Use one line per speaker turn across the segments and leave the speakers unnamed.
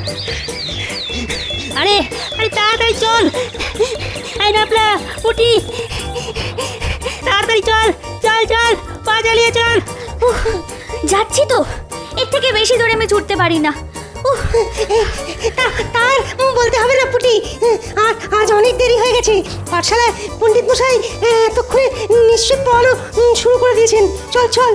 আরে আরে তাড়াতাড়ি চল, এই নাপলা উঠি, তাড়াতাড়ি চল চল চল, পা চালিয়ে চল।
যাচ্ছি তো, এর থেকে বেশি দূরে আমি ছুটতে পারি না।
তার বলতে হবে না পুটি, আজ অনেক দেরি হয়ে গেছে। পাঠশালায় পণ্ডিত মশাই এতক্ষণে নিশ্চয় পড়ানো শুরু করে দিয়েছেন। চল চল।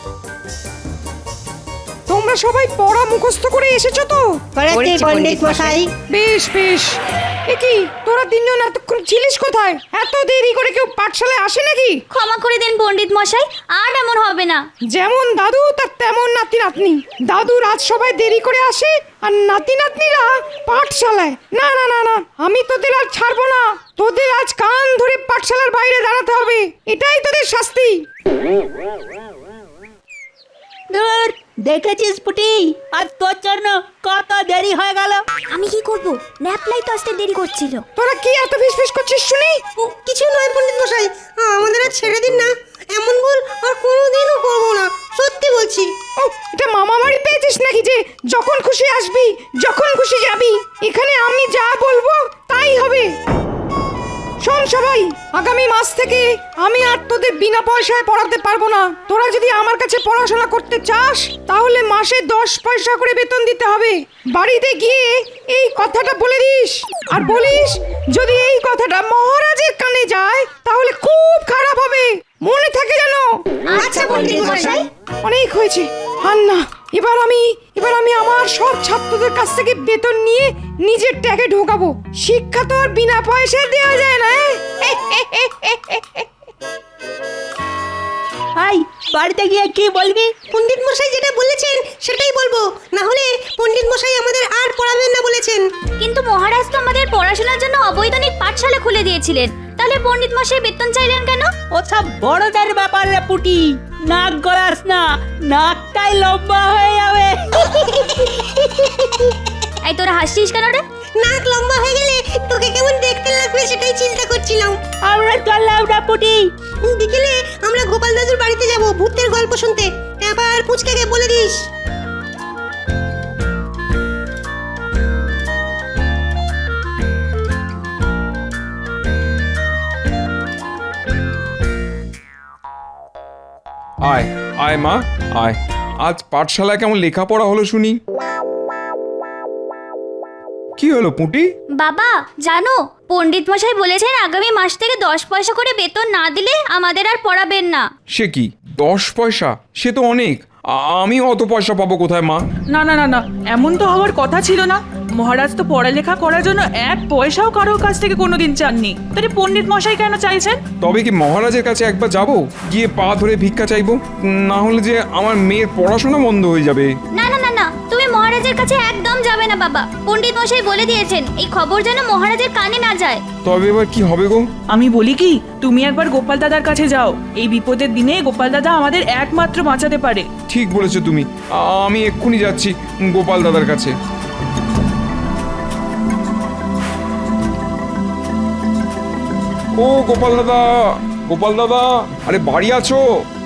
তোমরা সবাই পড়া মুখস্থ করে এসেছো তো?
পণ্ডিত মশাই।
বেশ বেশ। কি তোরা তিনজন এতক্ষণ ছিলিস কোথায়? এত দেরি করে কেউ পাঠশালায় আসে নাকি?
ক্ষমা করে দিন পণ্ডিত মশাই, আর এমন হবে না।
যেমন দাদু তার তেমন নাতি নাতনি। দাদু রাত সবাই দেরি করে আসে আর নাতি নাতনিরা পাঠশালায়। না না না না, আমি তোদের আর ছাড়বো না। তোদের আজ কান ধরে পাঠশালার বাইরে দাঁড়াতে হবে, এটাই তোদের শাস্তি।
ধুর, দেখেছিস পুটি, আর তোর জন্য কত দেরি হয়ে গেল।
আমি কি করব? ন্যাপলাই তো আসতে দেরি করছিল।
তোরা কি এত ফিসফিস করছিস শুনি?
কিছু নয় পণ্ডিত মশাই, আমাদের আর ছেড়ে দিন না। এমন ভুল আর কোনোদিনও করবো না, সত্যি বলছি।
ও, এটা মামা বাড়ি পেয়েছিস নাকি যে যখন খুশি আসবি যখন খুশি যাবি? এখানে আমি যা বলবো তাই হবে। শোন সবাই, আগামী মাস থেকে আমি আর তোদের বিনা পয়সায় পড়াতে পারবো না। তোরা যদি আমার কাছে পড়াশোনা করতে চাস তাহলে মাসে 10 পয়সা করে বেতন দিতে হবে। বাড়িতে গিয়ে এই কথাটা বলে দিস, আর বলিস যদি এই কথাটা মহারাজের কানে যায় তাহলে খুব খারাপ হবে, মনে থাকে যেন।
আচ্ছা পণ্ডিত মশাই।
অনেক হয়েছে, আর না। এবার আমি আমার সব ছাত্রদের কাছ থেকে বেতন নিয়ে নিজের ট্যাগে ঢোকাবো। শিক্ষা তো আর বিনা পয়সায় দেওয়া যায় না।
ভাই, বাড়িতে গিয়ে কি বলবি?
পণ্ডিত মশাই যেটা বলেছেন সেটাই বলবো, না হলে পণ্ডিত মশাই আমাদের আর পড়াবেন না বলেছেন।
কিন্তু মহারাজ তো আমাদের পড়াশোনার জন্য অবৈতনিক পাঠশালা খুলে দিয়েছিলেন, তাহলে পণ্ডিত মশাই বেতন চাইলেন কেন?
ওসব বড়দের ব্যাপার রে পুটি, নাক গলাস না, নাকটাই লম্বা হয়ে যাবে।
এই তোরা হাসছিস কেন রে?
নাক লম্বা হয়ে গেলে তোকে কেমন দেখতে লাগবে সেটাই চিন্তা করছিলাম।
আমরা চললাম না পুটি।
বিকেলে আমরা গোপাল দাদুর বাড়িতে যাব ভূতের গল্প শুনতে। আবার পুচকাকে বলে দিস।
আয় আয় মা আয়। আজ পাঠশালায় কেমন লেখাপড়া হলো শুনি? কি হলো পুঁটি?
বাবা জানো, পণ্ডিত মশাই বলেছেন আগামী মাস থেকে 10 পয়সা করে বেতন না দিলে আমাদের আর পড়াবেন না।
সে কি 10 পয়সা? সে তো অনেক। আমি অত পয়সা পাবো কোথায় মা?
না না না না, এমন তো হওয়ার কথা ছিল না। মহারাজ তো পড়ালেখা করার জন্য 1 পয়সাও কারোর কাছ থেকে কোনোদিন চাননি, তাহলে পণ্ডিত মশাই কেন চাইছেন?
তবে কি মহারাজের কাছে একবার যাব, গিয়ে পা ধরে ভিক্ষা চাইবো? না হলে যে আমার মেয়ের পড়াশোনা বন্ধ হয়ে যাবে।
না না না না, তুমি মহারাজের কাছে একদম যাবে না বাবা। পণ্ডিত মশাই বলে দিয়েছেন এই খবর যেন মহারাজের কানে না যায়।
তবে এবার কি হবে গো?
আমি বলি কি, তুমি একবার গোপাল দাদার কাছে যাও। এই বিপদের দিনে গোপাল দাদা আমাদের একমাত্র বাঁচাতে পারে।
ঠিক বলেছো তুমি, আমি এক্ষুনি যাচ্ছি গোপাল দাদার কাছে। ও গোপাল দাদা, গোপাল দাদা, আরে বাড়ি আছো?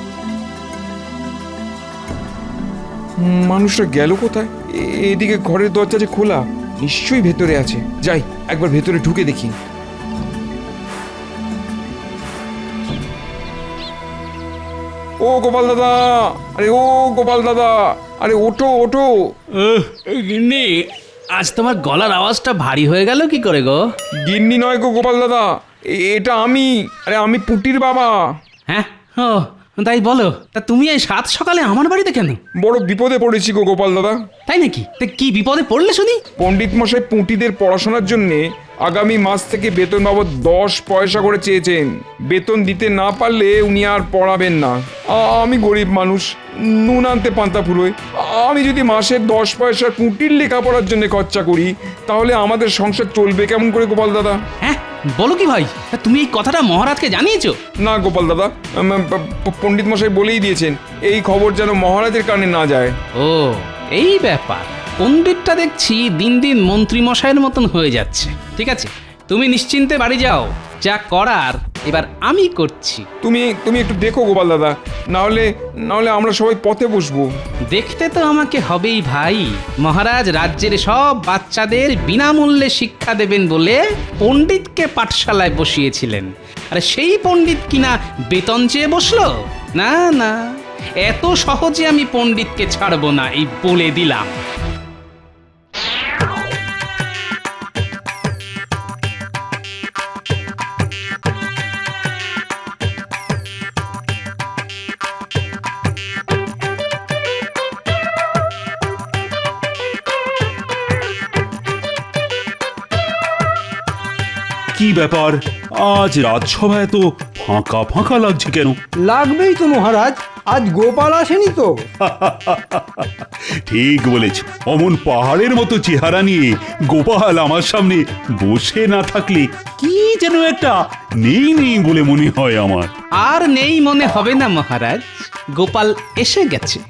মানুষটা গেল কোথায়? এদিকে ঘরের দরজা যে খোলা, নিশ্চয়ই ভেতরে আছে। যাই একবার ভেতরে ঢুকে দেখি। ও গোপাল দাদা, আরে ও গোপাল দাদা, আরে ওঠো ওঠো।
গিন্নি, আজ তোমার গলার আওয়াজটা ভারী হয়ে গেল কি করে গো?
গিন্নি নয় গো গোপাল দাদা, এটা আমি। আরে আমি পুটির বাবা।
হ্যাঁ, ও তাই বলো। তা তুমি এই সাত সকালে আমার বাড়িতে কেন?
বড় বিপদে পড়েছি গো গোপাল দাদা।
তাই নাকি? তা কি বিপদে পড়লে শুনি?
পণ্ডিত মশাই পুঁটিদের পড়াশোনার জন্য আগামী মাস থেকে বেতন বাবদ 10 পয়সা করে চেয়েছেন। বেতন দিতে না পারলে উনি আর পড়াবেন না। আমি গরিব মানুষ, নুন আনতে পান্তা ফুরোয়। আমি যদি মাসে 10 পয়সা পুঁটির লেখাপড়ার জন্য খরচা করি তাহলে আমাদের সংসার চলবে কেমন করে গোপাল দাদা?
হ্যাঁ বলো কি ভাই, তা তুমি এই কথাটা মহারাজকে জানিয়েছো?
না গোপাল দাদা, পণ্ডিত মশাই বলেই দিয়েছেন এই খবর যেন মহারাজের কানে না যায়।
ও এই ব্যাপার। পণ্ডিতটা দেখছি দিন দিন মন্ত্রী মশাইয়ের মতন হয়ে যাচ্ছে। ঠিক আছে, তুমি নিশ্চিন্তে বাড়ি যাও, যা করার এবার আমি করছি।
তুমি তুমি একটু দেখো গোপাল দাদা, না হলে আমরা সবাই পথে বসবো।
দেখতে তো আমাকে হবেই ভাই। মহারাজ রাজ্যের সব বাচ্চাদের বিনামূল্যে শিক্ষা দেবেন বলে পণ্ডিতকে পাঠশালায় বসিয়েছিলেন, আর সেই পণ্ডিত কিনা বেতন চেয়ে বসলো? না না, এত সহজে আমি পণ্ডিতকে ছাড়বো না, এই বলে দিলাম।
কি ব্যাপার, আজ রাজসভা এত ফাঁকা ফাঁকা লাগছে কেন?
লাগবেই তো মহারাজ, আজ গোপাল আসেনি তো।
ঠিক বলেছ, অমন পাহাড়ের মতো চেহারা নিয়ে গোপাল আমার সামনে বসে না থাকলে কি যেন একটা নেই নেই বলে মনে হয় আমার।
আর নেই মনে হবে না মহারাজ, গোপাল এসে গেছে,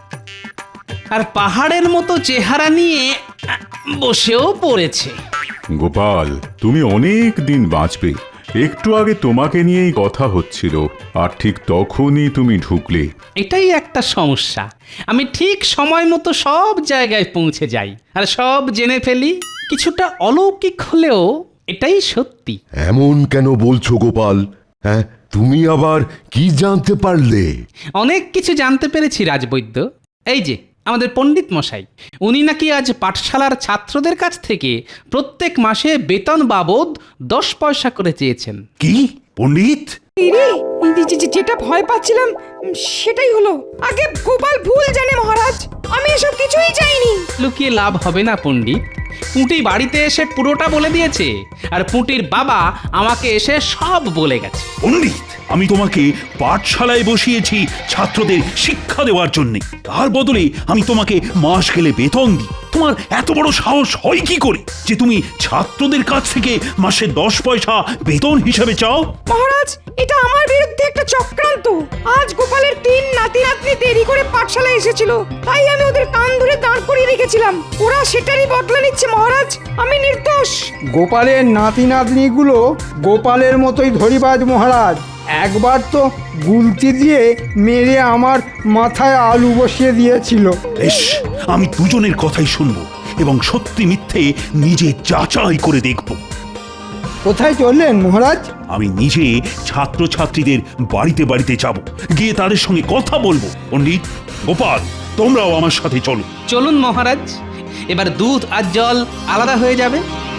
আর পাহাড়ের মতো চেহারা নিয়ে বসেও পড়েছে।
গোপাল, তুমি অনেক দিন বাঁচবে। একটু আগে তোমাকে নিয়েই কথা হচ্ছিল, আর ঠিক তখনই তুমি ঢুকলে।
এটাই একটা সমস্যা, আমি ঠিক সময় মতো সব জায়গায় পৌঁছে যাই আর সব জেনে ফেলি। কিছুটা অলৌকিক হলেও এটাই সত্যি।
এমন কেন বলছো গোপাল? হ্যাঁ, তুমি আবার কি জানতে পারলে?
অনেক কিছু জানতে পেরেছি রাজবৈদ্য। এই যে আমাদের পণ্ডিত মশাই, উনি নাকি আজ পাঠশালার ছাত্রদের কাছ থেকে প্রত্যেক মাসে বেতন বাবদ 10 পয়সা করে চেয়েছেন।
কি পণ্ডিত?
ইরে, যেটা ভয় পাচ্ছিলাম সেটাই হলো। আগে গোপাল ভুল জানে মহারাজ, আমি এসব কিছুই চাইনি।
লুকিয়ে লাভ হবে না পণ্ডিত, পুঁটি বাড়িতে এসে পুরোটা বলে দিয়েছে, আর পুঁটির বাবা আমাকে এসে সব বলে গেছে।
পণ্ডিত, আমি তোমাকে পাঠশালায় বসিয়েছি ছাত্রদের শিক্ষা দেওয়ার জন্য, তার বদলে আমি তোমাকে মাস গেলে বেতন দিই। তোমার এত বড় সাহস হয় কি করে যে তুমি ছাত্রদের কাছ থেকে মাসে 10 পয়সা বেতন হিসাবে চাও?
মহারাজ, এটা আমার বিরুদ্ধে একটা চক্রান্ত। আজ গোপালের 3 নাতি নাতনি দেরি করে পাঠশালায় এসেছিল, তাই আমি ওদের কান ধরে দাঁড় করিয়ে রেখেছিলাম। ওরা সেটারই বদলা নিচ্ছে মহারাজ, আমি নির্দোষ।
গোপালের নাতি নাতনিগুলো গোপালের মতোই ধরিবাজ মহারাজ। একবার তো গুলতি দিয়ে মেরে আমার মাথায় আলু বসিয়ে দিয়েছিল।
বেশ, আমি দুজনের কথাই শুনবো এবং সত্যি মিথ্যে নিজে যাচাই করে দেখব।
কোথায় চললেন মহারাজ?
আমি নিজে ছাত্রছাত্রীদের বাড়িতে বাড়িতে যাব, গিয়ে তাদের সঙ্গে কথা বলবো। পণ্ডিত, গোপাল, তোমরাও আমার সাথে চলো।
চলুন মহারাজ, এবার দুধ আর জল আলাদা হয়ে যাবে।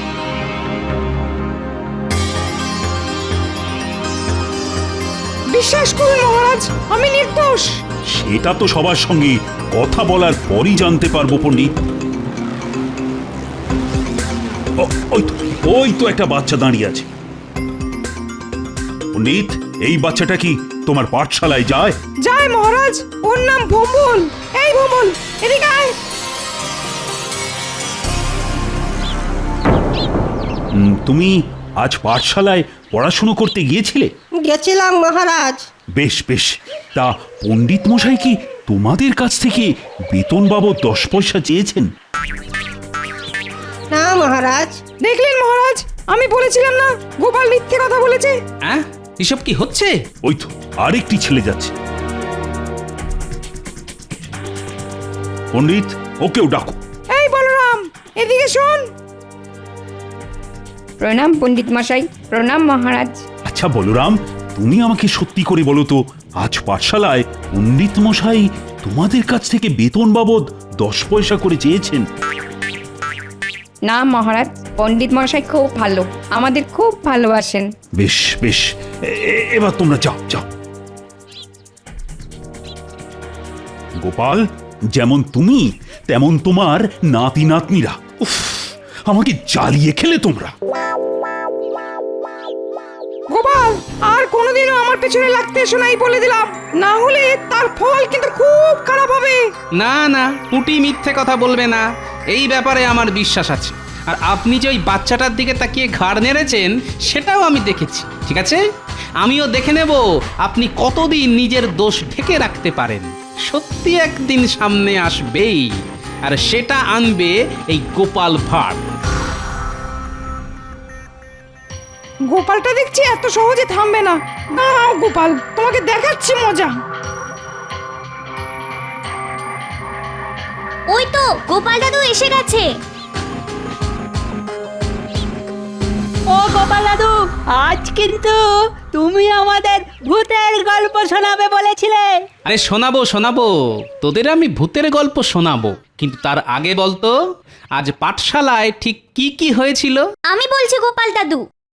বিশ্বাস করুন মহারাজ, আমি নির্দোষ।
সেটা তো সবার সঙ্গে কথা বলার পরই জানতে পারবো পণ্ডিত। ওই তো একটা বাচ্চা দাঁড়িয়ে আছে। পণ্ডিত, এই বাচ্চাটা কি তোমার পাঠশালায় যায়?
যায় মহারাজ, ওর নাম ভোম্বল। এই ভোম্বল, এদিকে আয়।
তুমি আজ পাঠশালায় পড়াশুনো করতে গিয়েছিলে?
গেছিলাম মহারাজ।
বেশ বেশ, তা পণ্ডিত মশাই কি তোমাদের কাছ থেকে বেতন বাবদ 10 পয়সা চেয়েছেন?
না মহারাজ।
দেখলেন মহারাজ, আমি বলেছিলাম না গোপাল মিথ্যে কথা বলেছে।
হ্যাঁ, এসব কি হচ্ছে?
ওই তো আরেকটি ছেলে যাচ্ছে। পণ্ডিত, ওকেও ডাকো।
এই বলরাম, এদিকে শোন।
প্রণাম পণ্ডিত মশাই। প্রণাম মহারাজ।
আচ্ছা বলরাম, তুমি আমাকে সত্যি করে বলো তো, আজ পাঠশালায় পণ্ডিত মশাই তোমাদের কাছ থেকে বেতন বাবদ 10 পয়সা করে চেয়েছেন?
না মহারাজ, পণ্ডিত মশাই খুব ভালো, আমাদের খুব ভালোবাসেন।
বেশ বেশ, এবার তোমরা যাও যাও। গোপাল, যেমন তুমি তেমন তোমার নাতি নাতনিরা। উফ, আমাকে জ্বালিয়ে খেলে তোমরা।
গোপাল, আর কোনোদিনও আমার পেছনে লাগতে এসো নাই বলে দিলাম, না হলে তার ফল কিন্তু খুব খারাপ হবে।
না না, পুঁটি মিথ্যে কথা বলবে না, এই ব্যাপারে আমার বিশ্বাস আছে। আর আপনি যে ওই বাচ্চাটার দিকে তাকিয়ে ঘাড় নেড়েছেন সেটাও আমি দেখেছি। ঠিক আছে, আমিও দেখে নেব আপনি কতদিন নিজের দোষ ঢেকে রাখতে পারেন। সত্যি একদিন সামনে আসবেই, আর সেটা আনবে এই গোপাল ভাঁড়।
গোপালটা দেখছি এত সহজে থামবে না। দাঁড়াও গোপাল, তোমাকে দেখাচ্ছি মজা।
ওই তো গোপাল দাদু এসে গেছে।
ও গোপাল দাদু, আজ কিন্তু তুমি আমাদের ভূতের গল্প শোনাবে বলেছিলে।
আরে শোনাবো শোনাবো, তোদের আমি ভূতের গল্প শোনাবো, কিন্তু তার আগে বলতো আজ পাঠশালায় ঠিক কি কি হয়েছিল।
আমি বলছি গোপাল দাদু।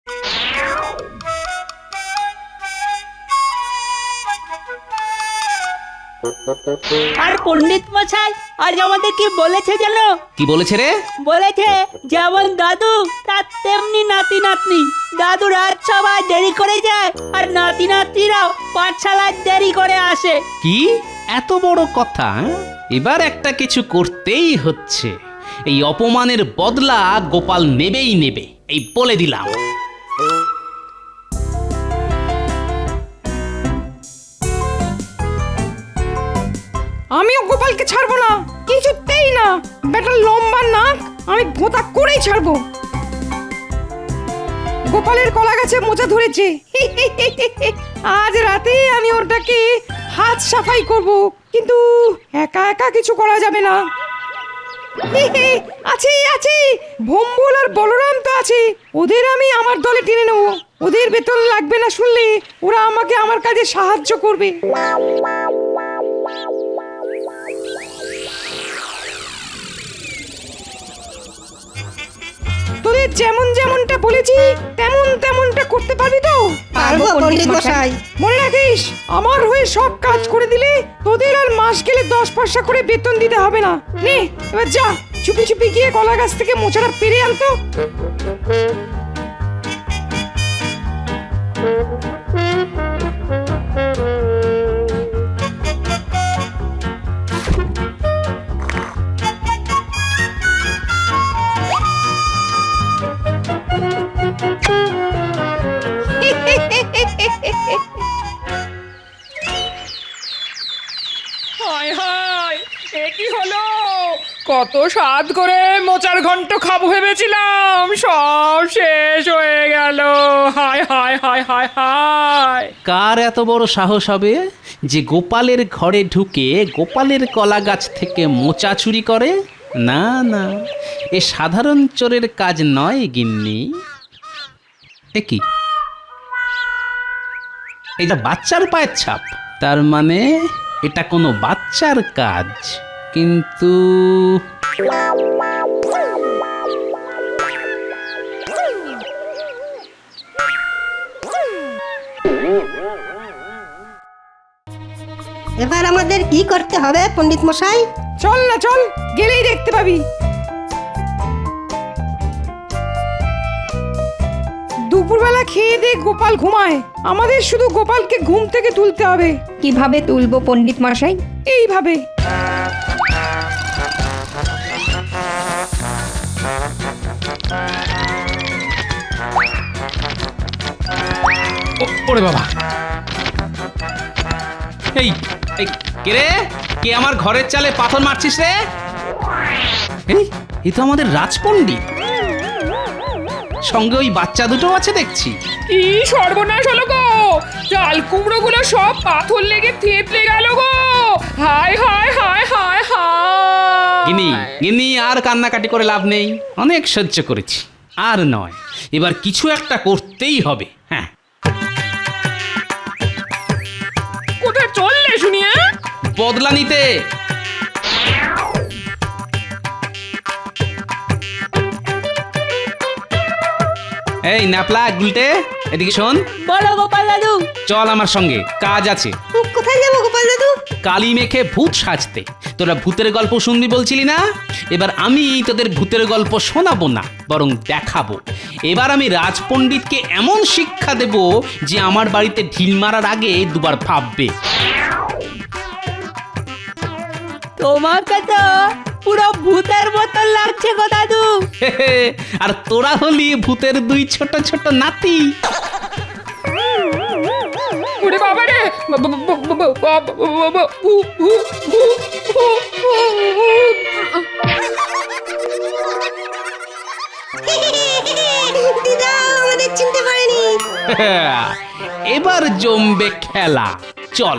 আর পণ্ডিত মশাই আজ আমাদের কি বলেছে জানো?
কি বলেছে রে?
বলেছে যেমন দাদু তার তেমনি নাতি নাতনি। দাদু রাত সবাই দেরি করে যায় আর নাতি নাতনিরাও পাঠশালায় দেরি করে আসে।
কি এত বড় কথা? এবার একটা কিছু করতেই হচ্ছে। এই অপমানের বদলা গোপাল নেবেই নেবে, এই বলে দিলাম।
আমিও গোপালকে ছাড়বো না, কিছুতেই না। বেটার লম্বা নাক আমি ভোঁতা করেই ছাড়বো। গোপালের কলা গাছে মোচা ধরেছে, আজ রাতে আমি ওটাকে হাত সাফাই করব, কিন্তু একা একা কিছু করা যাবে না। আছে আছে, ভম্বল আর বলরাম তো আছে, ওদের আমি আমার দলে টেনে নেব। ওদের বেতন লাগবে না শুনলে ওরা আমাকে আমার কাজে সাহায্য করবে। তোদের যেমন যেমনটা বলেছি তেমন তেমনটা করতে পারবি তো?
পারবো পণ্ডিত মশাই।
মনে রাখিস, আমার হয়ে সব কাজ করে দিলে তোদের আর মাস গেলে 10 পয়সা করে বেতন দিতে হবে না। নে এবার যা, চুপি চুপি গিয়ে কলা গাছ থেকে মোচাটা পেরে আনতো।
হায় হায়, এ কি হলো? কত স্বাদ করে মোচার ঘন্ট খাবো ভেবেছিলাম, সব শেষ হয়ে গেল। হায় হায় হায় হায় হায়।
কার এত বড় সাহস হবে যে গোপালের ঘরে ঢুকে গোপালের কলা গাছ থেকে মোচা চুরি করে? না না, এ সাধারণ চোরের কাজ নয় গিন্নি। এ কি, এটা বাচ্চার পায়ের ছাপ? তার মানে এটা কোনো বাচ্চার কাজ। কিন্তু
এবার আমাদের কি করতে হবে পণ্ডিত মশাই?
চল না চল, গেলেই দেখতে পাবি। দুপুরবেলা খেয়ে দে গোপাল ঘুমায়, আমাদের শুধু গোপালকে ঘুম থেকে তুলতে হবে।
কিভাবে তুলবো পণ্ডিত মশাই?
এইভাবে।
ওরে বাবা, এই এই কে রে? কে আমার ঘরের চালে পাথর মারছিস রে? এই তো আমাদের রাজপণ্ডিত, সঙ্গে ওই বাচ্চা দুটো আছে দেখছি।
কি সর্বনাশ হলো গো, চাল কুমড়ো গুলো সব পাথর লেগে থেতলে গেল গো। হায় হায় হায় হায় হায়।
গিনি গিনি, আর কান্নাকাটি করে লাভ নেই, অনেক সহ্য করেছি, আর নয়, এবার কিছু একটা করতেই হবে। হ্যাঁ,
কোথায় চললে শুনিয়ে?
বদলা নিতে। এই ন্যাপলা গুলটে, এদিকে শোন।
বলো গোপাল দাদু।
চল আমার সঙ্গে, কাজ আছে।
কোথায় যাবো গোপাল দাদু?
কালি মেখে ভূত সাজতে। তোরা ভূতের গল্প শুনবি বলছিলি না? এবার আমি তোদের ভূতের গল্প শোনাবো না, বরং দেখাবো। এবার আমি রাজপণ্ডিতকে এমন শিক্ষা দেব যে আমার বাড়িতে ঢিল মারার আগে দুবার ভাববে।
তোমাকে তো পুরো ভূতের মতন লাগছে গো দাদু।
আর তোরা হলি ভূতের দুই ছোট ছোট নাতি।
ওরে বাবা রে,
দিদা আমাদের চিনতে পারেনি।
এবার জমবে খেলা, চল।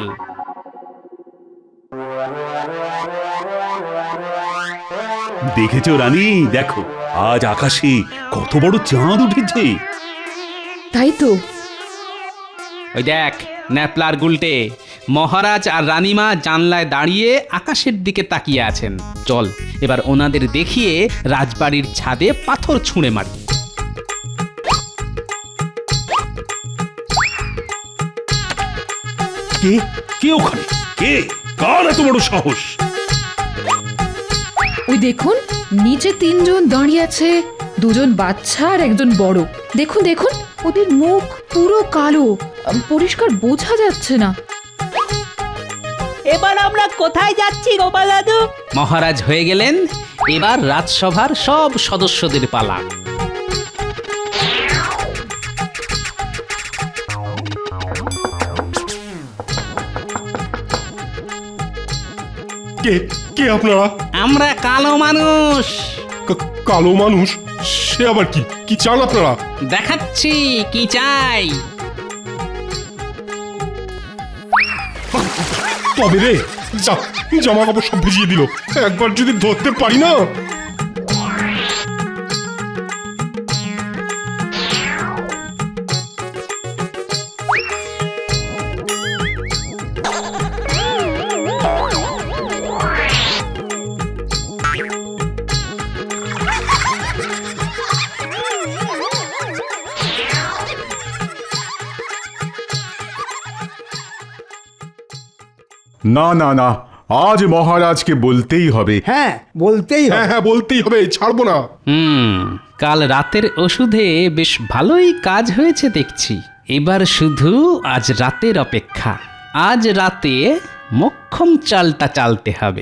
দেখেছো রানী, দেখো আজ আকাশে কত বড় চাঁদ উঠেছে।
তাই তো।
ওই দেখ ন্যাপলার গুলটে, মহারাজ আর রানীমা জানলায় দাঁড়িয়ে আকাশের দিকে তাকিয়ে আছেন। চল এবার ওনাদের দেখিয়ে রাজবাড়ির ছাদে পাথর ছুঁড়ে মারি।
কে কে ওখানে? কে? কার এত বড় সাহস?
ওই দেখুন, নিচে তিনজন দাঁড়িয়ে আছে, দুজন বাচ্চা আর একজন বড়। দেখুন দেখুন, ওদের মুখ পুরো কালো, পরিষ্কার বোঝা যাচ্ছে না।
এবার আমরা কোথায় যাচ্ছি গোপাল দাদু?
মহারাজ হয়ে গেলেন, এবার রাজসভার সব সদস্যদের পালা।
কে কে আপনারা?
আমরা কালো মানুষ।
কালো মানুষ? সে আবার কি? কি চান আপনারা?
দেখাচ্ছি কি চাই।
তবে রে, জামা কাপড় সব ভিজিয়ে দিল, একবার যদি ধরতে পারি না।
না না না, আজ মহারাজকে বলতেই হবে।
হ্যাঁ বলতেই হবে।
হ্যাঁ বলতেই হবে, ছাড়বো না।
কাল রাতের ওষুধে বেশ ভালোই কাজ হয়েছে দেখছি। এবার শুধু আজ রাতের অপেক্ষা। আজ রাতে মক্ষম চালটা চালতে হবে।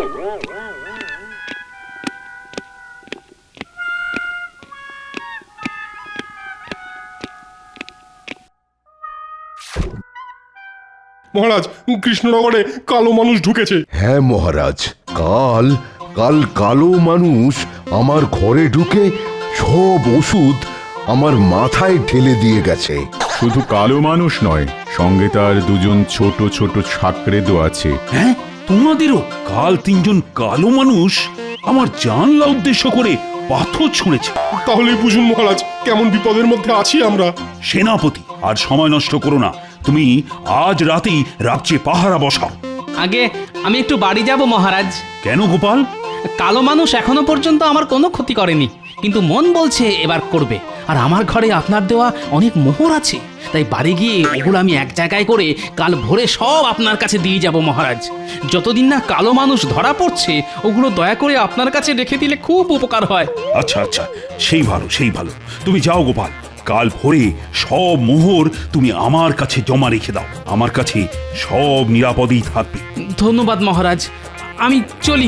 মহারাজ, কৃষ্ণনগরে কালো মানুষ ঢুকেছে।
হ্যাঁ মহারাজ, কাল কালো মানুষ আমার ঘরে ঢুকে সব ওষুধ আমার মাথায় ঢেলে দিয়ে গেছে।
শুধু কালো মানুষ নয়, সঙ্গে তার দুজন ছোট ছোট ছাকরেদও আছে।
হ্যাঁ, তোমাদেরও? কাল তিনজন কালো মানুষ আমার জানলা উদ্দেশ্য করে পাথর ছুঁড়েছে।
তাহলেই বুঝুন মহারাজ কেমন বিপদের মধ্যে আছি আমরা।
সেনাপতি, আর সময় নষ্ট করো না, তুমি আজ রাতেই রাজ্যে পাহারা বসাও।
আগে আমি একটু বাড়ি যাব মহারাজ।
কেন গোপাল?
কালো মানুষ এখনো পর্যন্ত আমার কোনো ক্ষতি করেনি, কিন্তু মন বলছে এবার করবে। আর আমার ঘরে আপনার দেওয়া অনেক মোহর আছে, তাই বাড়ি গিয়ে ওগুলো আমি এক জায়গায় করে কাল ভোরে সব আপনার কাছে দিয়ে যাব মহারাজ। যতদিন না কালো মানুষ ধরা পড়ছে, ওগুলো দয়া করে আপনার কাছে রেখে দিলে খুব উপকার হয়।
আচ্ছা আচ্ছা, সেই ভালো। তুমি যাও গোপাল, কাল ভোরে সব মোহর তুমি আমার কাছে জমা রেখে দাও। আমার কাছে সব নিরাপদেই থাকবে।
ধন্যবাদ মহারাজ, আমি চলি।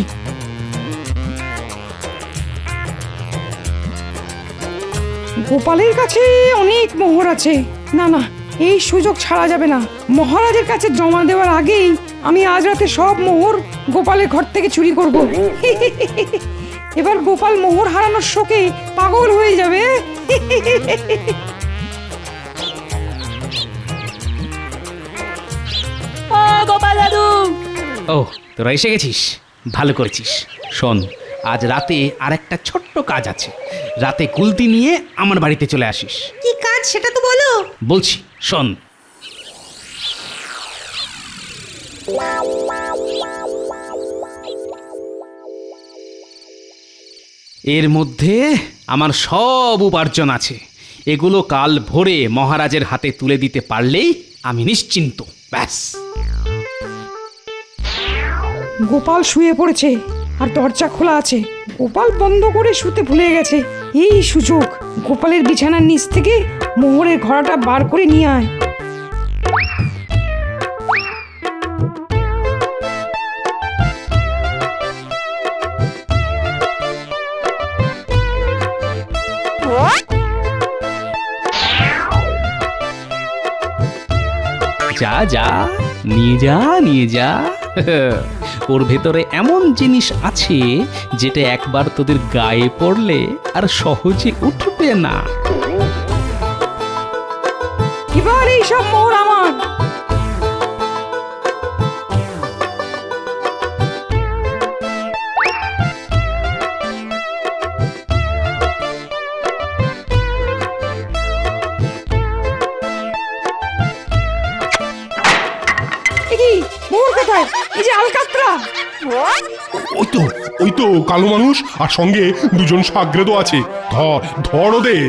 গোপালের কাছে অনেক মোহর আছে। না না, এই সুযোগ ছাড়া যাবে না। মহারাজের কাছে জমা দেওয়ার আগেই আমি আজ রাতে সব মোহর গোপালের ঘর থেকে চুরি করব। এবার গোপাল মোহর হারানোর শোকে পাগল হয়ে যাবে।
ও গোপাল দাদু!
ও, তোরা এসে গেছিস, ভালো করেছিস। শোন, আজ রাতে আরেকটা ছোট্ট কাজ আছে। রাতে কুলতি নিয়ে আমার বাড়িতে চলে আসিস।
কি কাজ সেটা তো বলো।
বলছি, শোন। এর মধ্যে আমার সব উপার্জন আছে। এগুলো কাল ভোরে মহারাজের হাতে তুলে দিতে পারলেই আমি নিশ্চিন্ত। ব্যাস।
গোপাল শুয়ে পড়েছে আর দরজা খোলা আছে। গোপাল বন্ধ করে শুতে ভুলে গেছে। এই সুযোগ, গোপালের বিছানার নিচ থেকে মোহরের ঘোড়াটা বার করে নিয়ে আয়।
যা যা, নিয়ে যা। ওর ভেতরে এমন জিনিস আছে যেটা একবার তোদের গায়ে পড়লে আর সহজে উঠবে না।
সব মোহর আমার। এ কি মোহর কোথায়? এই যে আলকাতরা।
ওই তো কালো মানুষ আর সঙ্গে দুজন সাগ্রেদও আছে। ধর ওদের।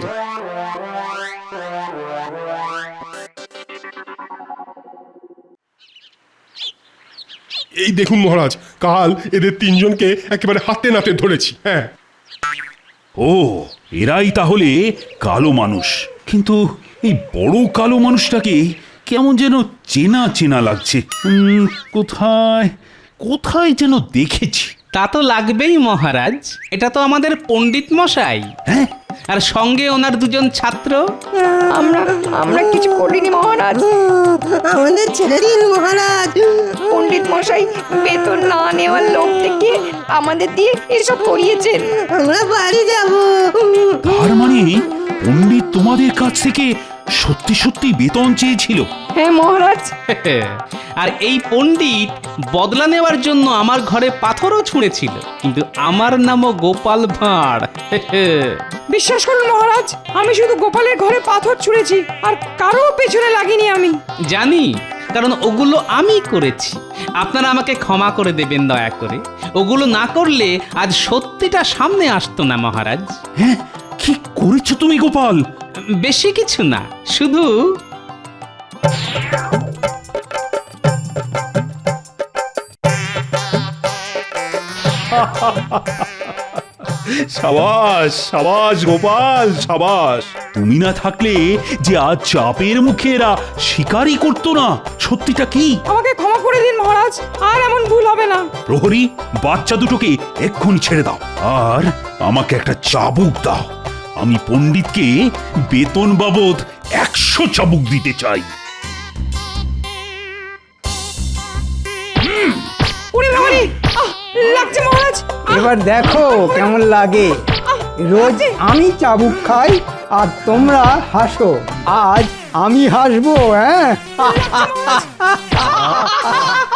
এই দেখুন মহারাজ, কাল এদের তিনজনকে একেবারে হাতে নাতে ধরেছি। হ্যাঁ,
ও এরাই তাহলে কালো মানুষ। কিন্তু এই বড় কালো মানুষটাকে কেমন যেন চেনা চেনা লাগছে। কোথায় কোথায় যেন দেখেছি।
তা তো লাগবেই মহারাজ, এটা তো আমাদের পণ্ডিত মশাই।
হ্যাঁ,
আর সঙ্গে ওনার দুজন ছাত্র।
আমরা কিছু করিনি মহারাজ।
আমাদের ছেড়ে দিন মহারাজ।
পণ্ডিত মশাই বেতন না নেওয়ার লোক থেকে আমাদের দিয়ে এসব করিয়েছেন।
আমরা বাড়ি যাব।
তার মানে পণ্ডিত তোমাদের কাছ থেকে সত্যি সত্যি বেতন চেয়েছিল?
হ্যাঁ মহারাজ।
আর এই পণ্ডিত বদলা নেওয়ার জন্য আমার ঘরে পাথরও ছুঁড়েছিল, কিন্তু আমার নামও গোপাল ভাঁড়।
বিশ্বাস করুন মহারাজ, আমি শুধু গোপালের ঘরে পাথর ছুঁড়েছি, আর কারো পেছনে লাগিনি আমি।
জানি, কারণ ওগুলো আমি করেছি। আপনারা আমাকে ক্ষমা করে দেবেন দয়া করে। ওগুলো না করলে আজ সত্যিটা সামনে আসতো না মহারাজ।
হ্যাঁ, কি করেছো তুমি গোপাল?
বেশি কিছু না, শুধু
সাবাস সাবাস গোপাল সাবাস। তুমি না থাকলে যে আজ চাপের মুখে এরা শিকারই করতো না। সত্যিটা কি?
আমাকে ক্ষমা করে দিন মহারাজ, আর এমন ভুল হবে না।
প্রহরী, বাচ্চা দুটোকে এক্ষুনি ছেড়ে দাও, আর আমাকে একটা চাবুক দাও। আমি পণ্ডিতকে বেতন বাবদ 100 চাবুক দিতে চাই।
ওরে বাবারে, লাগছে মহারাজ।
এবার দেখো কেমন লাগে। রোজ আমি চাবুক খাই আর তোমরা হাসো। আজ আমি হাসবো। হ্যাঁ